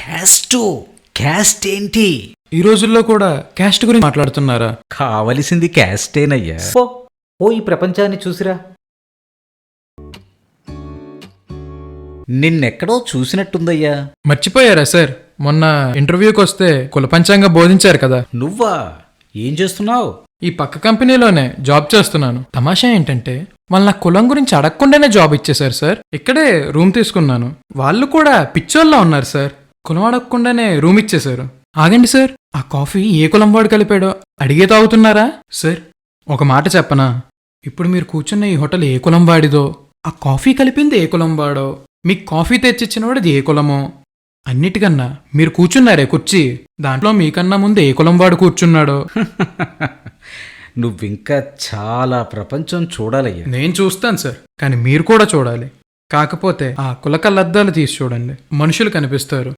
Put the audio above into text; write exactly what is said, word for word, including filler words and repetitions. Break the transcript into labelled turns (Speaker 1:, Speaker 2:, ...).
Speaker 1: Caste caste ఏంటి?
Speaker 2: ఈ రోజుల్లో కూడా క్యాస్ట్ గురించి మాట్లాడుతున్నారా?
Speaker 1: కావలసింది క్యాస్టేనయ్యా.
Speaker 3: పో ఓ ఈ ప్రపంచాన్ని చూసిరా.
Speaker 1: నిన్నెక్కడో చూసినట్టుందయ్యా.
Speaker 2: మర్చిపోయారా సార్? మొన్న ఇంటర్వ్యూకి వస్తే కుల పంచాంగం బోధించారు కదా.
Speaker 1: నువ్వా? ఏం చేస్తున్నావు?
Speaker 2: ఈ పక్క కంపెనీలోనే జాబ్ చేస్తున్నాను. తమాషా ఏంటంటే వాళ్ళు నా కులం గురించి అడగకుండానే జాబ్ ఇచ్చేశారు సార్. ఇక్కడే రూమ్ తీసుకున్నాను. వాళ్ళు కూడా పిచ్చోళ్ళ ఉన్నారు సార్. కులం అడగకుండానే రూమ్ ఇచ్చేశారు. ఆగండి సార్, ఆ కాఫీ ఏ కులం వాడు కలిపాడో అడిగే తాగుతున్నారా సార్? ఒక మాట చెప్పనా? ఇప్పుడు మీరు కూర్చున్న ఈ హోటల్ ఏ కులం వాడిదో, ఆ కాఫీ కలిపింది ఏ కులం వాడో, మీకు కాఫీ తెచ్చిచ్చిన వాడిది ఏ కులమో, అన్నిటికన్నా మీరు కూర్చున్నారే కుర్చీ, దాంట్లో మీకన్నా ముందు ఏ కులం వాడు కూర్చున్నాడో.
Speaker 1: నువ్వింకా చాలా ప్రపంచం చూడాలయ్యా.
Speaker 2: నేను చూస్తాను సార్, కానీ మీరు కూడా చూడాలి. కాకపోతే ఆ కులకల్లద్దాలు తీసి చూడండి, మనుషులు కనిపిస్తారు.